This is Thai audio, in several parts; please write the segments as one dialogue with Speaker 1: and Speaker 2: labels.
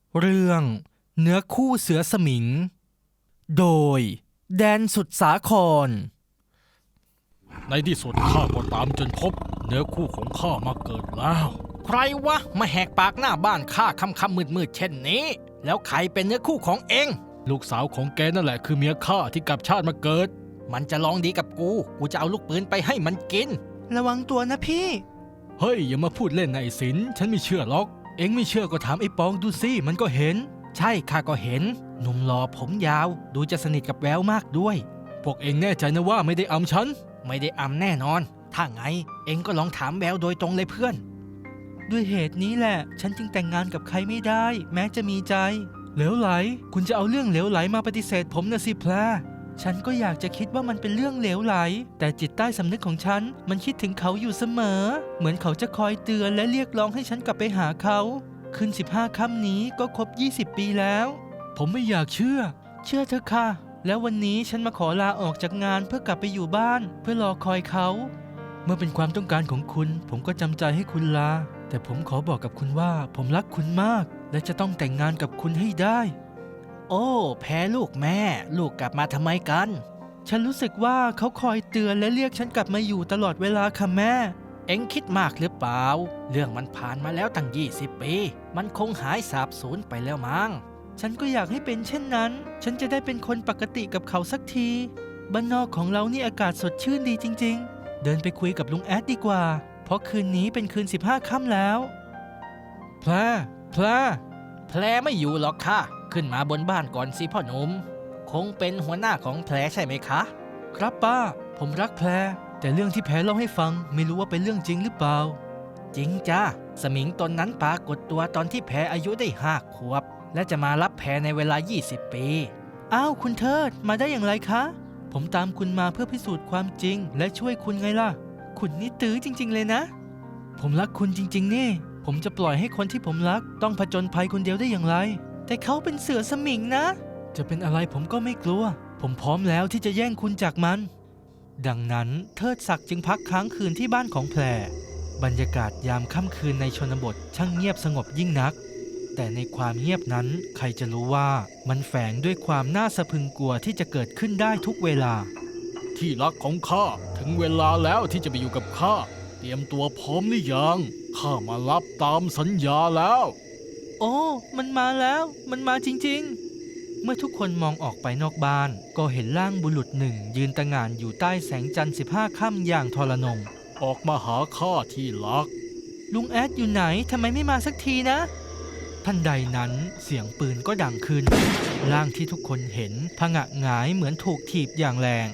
Speaker 1: เรื่องเนื้อคู่เสือสมิงโดยแดนสุดสาคร
Speaker 2: ในที่สุดข้าก็ตามจนพบเนื้อคู่ของข้ามาเกิดแล้ว
Speaker 1: ใครวะมาแหกปากหน้าบ้านข้าค่ำมืดเช่นนี้แล้วใครเป็นเนื้อคู่ของเอง
Speaker 2: ลูกสาวของแกนั่นแหละคือเมียข้าที่กลับชาติมาเกิด
Speaker 1: มันจะลองดีกับกูจะเอาลูกปืนไปให้มันกินระวังตัวนะพี่
Speaker 2: เฮ้ยอย่ามาพูดเล่นนายสินฉันไม่เชื่อหรอกเอ็งไม่เชื่อก็ถามไอ้ปองดูสิมันก็เห็น
Speaker 1: ใช่ข้าก็เห็นหนุ่มหล่อผมยาวดูจะสนิทกับแววมากด้วย
Speaker 2: พวกเอ็งแน่ใจนะว่าไม่ได้อำฉัน
Speaker 1: ไม่ได้อำแน่นอนถ้าไงเอ็งก็ลองถามแววโดยตรงเลยเพื่อนด้วยเหตุนี้แหละฉันจึงแต่งงานกับใครไม่ได้แม้จะมีใจ
Speaker 2: เหลวไหลคุณจะเอาเรื่องเหลวไหลมาปฏิเสธผมนะสิแพร
Speaker 1: ฉันก็อยากจะคิดว่ามันเป็นเรื่องเหลวไหลแต่จิตใต้สำนึกของฉันมันคิดถึงเขาอยู่เสมอเหมือนเขาจะคอยเตือนและเรียกร้องให้ฉันกลับไปหาเขาคืน15 ค่ำนี้ก็ครบ20 ปีแล้ว
Speaker 2: ผมไม่อยากเชื่อ
Speaker 1: เธอค่ะแล้ววันนี้ฉันมาขอลาออกจากงานเพื่อกลับไปอยู่บ้านเพื่อรอคอยเขา
Speaker 2: เมื่อเป็นความต้องการของคุณผมก็จำใจให้คุณลาแต่ผมขอบอกกับคุณว่าผมรักคุณมากและจะต้องแต่งงานกับคุณให้ได้
Speaker 1: โอ้แพ้ลูกแม่ลูกกลับมาทำไมกันฉันรู้สึกว่าเขาคอยเตือนและเรียกฉันกลับมาอยู่ตลอดเวลาค่ะแม่เอ็งคิดมากหรือเปล่าเรื่องมันผ่านมาแล้วตั้ง20 ปีมันคงหายสาบสูญไปแล้วมั้งฉันก็อยากให้เป็นเช่นนั้นฉันจะได้เป็นคนปกติกับเขาสักทีบ้านนอกของเรานี่อากาศสดชื่นดีจริงๆเดินไปคุยกับลุงแอดดีกว่าเพราะคืนนี้เป็นคืน15 ค่ำแล้ว
Speaker 2: แพร
Speaker 1: ไม่อยู่หรอกค่ะขึ้นมาบนบ้านก่อนสิพ่อหนุ่มคงเป็นหัวหน้าของแพรใช่ไหมคะ
Speaker 2: ครับป้าผมรักแพรแต่เรื่องที่แพรเล่าให้ฟังไม่รู้ว่าเป็นเรื่องจริงหรือเปล่า
Speaker 1: จริงจ้าสมิงตนนั้นปรากฏตัวตอนที่แพรอายุได้5 ขวบและจะมารับแพรในเวลา20 ปีอ้าวคุณเทิดมาได้อย่างไรคะผมตามคุณมาเพื่อพิสูจน์ความจริงและช่วยคุณไงล่ะคุณนี่ตื้อจริงๆเลยนะ
Speaker 2: ผมรักคุณจริงๆนี่ผมจะปล่อยให้คนที่ผมรักต้องผจญภัยคนเดียวได้อย่างไร
Speaker 1: แต่เขาเป็นเสือสมิงนะ
Speaker 2: จะเป็นอะไรผมก็ไม่กลัวผมพร้อมแล้วที่จะแย่งคุณจากมัน
Speaker 1: ดังนั้นเทิดศักดิ์จึงพักค้างคืนที่บ้านของแพรบรรยากาศยามค่ำคืนในชนบทช่างเงียบสงบยิ่งนักแต่ในความเงียบนั้นใครจะรู้ว่ามันแฝงด้วยความน่าสะพรึงกลัวที่จะเกิดขึ้นได้ทุกเวลา
Speaker 2: ที่รักของข้าถึงเวลาแล้วที่จะไปอยู่กับข้าเตรียมตัวพร้อมหรือยังข้ามารับตามสัญญาแล้ว
Speaker 1: โอ้มันมาแล้วมันมาจริงๆเมื่อทุกคนมองออกไปนอกบ้านก็เห็นร่างบุรุษหนึ่งยืนตะหง่านอยู่ใต้แสงจันทร์15 ค่ำอย่างทรนง
Speaker 2: ออกมาหาข้าที่รัก
Speaker 1: ลุงแอดอยู่ไหนทำไมไม่มาสักทีนะทันใดนั้นเสียงปืนก็ดังขึ้นร่างที่ทุกคนเห็นผงะหงายเหมือนถูกถีบอย่างแรง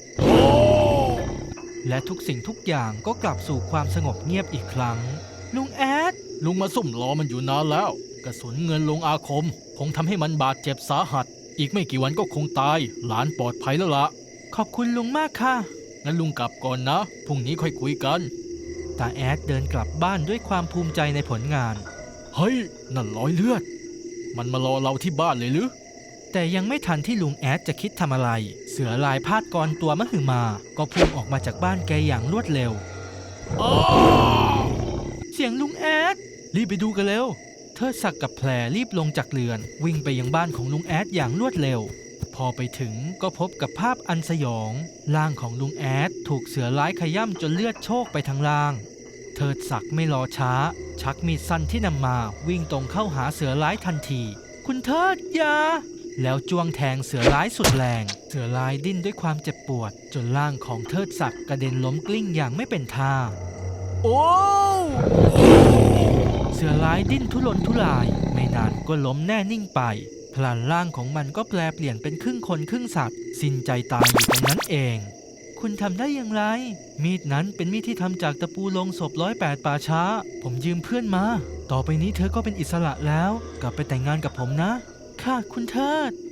Speaker 1: และทุกสิ่งทุกอย่างก็กลับสู่ความสงบเงียบอีกครั้งลุงแอด
Speaker 2: ลุงมาซุ่มรอมันอยู่นานแล้วกระสุนเงินลงอาคมคงทำให้มันบาดเจ็บสาหัสอีกไม่กี่วันก็คงตายหลานปลอดภัยแล้วละ
Speaker 1: ขอบคุณลุงมากค่ะ
Speaker 2: งั้นลุงกลับก่อนนะพรุ่งนี้ค่อยคุยกัน
Speaker 1: ตาแอดเดินกลับบ้านด้วยความภูมิใจในผลงาน
Speaker 2: เฮ้ยนั่นรอยเลือดมันมารอเราที่บ้านเลยหรือ
Speaker 1: แต่ยังไม่ทันที่ลุงแอดจะคิดทำอะไรเสือลายพาดกรตัวมหึมาก็พุ่งออกมาจากบ้านแกอย่างรวดเร็วเสียงลุงแอด
Speaker 2: รีบไปดูกันเร็ว
Speaker 1: เทิดศักดิ์กับแพรรีบลงจากเรือนวิ่งไปยังบ้านของลุงแอดอย่างรวดเร็วพอไปถึงก็พบกับภาพอันสยองร่างของลุงแอดถูกเสือร้ายขย่ำจนเลือดโชกไปทั้งล่างเทิดศักดิ์ไม่รอช้าชักมีดสั้นที่นำมาวิ่งตรงเข้าหาเสือร้ายทันทีคุณเทิดอย่าแล้วจ้วงแทงเสือร้ายสุดแรงเสือร้ายดิ้นด้วยความเจ็บปวดจนร่างของเทิดศักดิ์กระเด็นล้มกลิ้งอย่างไม่เป็นท่า
Speaker 2: โอ้
Speaker 1: เสือร้ายดิ้นทุรนทุรายไม่นานก็ล้มแน่นิ่งไปพลันร่างของมันก็แปลเปลี่ยนเป็นครึ่งคนครึ่งสัตว์สิ้นใจตายอยู่ตรงนั้นเองคุณทำได้อย่างไรมีดนั้นเป็นมีดที่ทำจากตะปูลงศพ108 ป่าช้าผมยืมเพื่อนมาต่อไปนี้เธอก็เป็นอิสระแล้วกลับไปแต่งงานกับผมนะค่ะคุณเทิด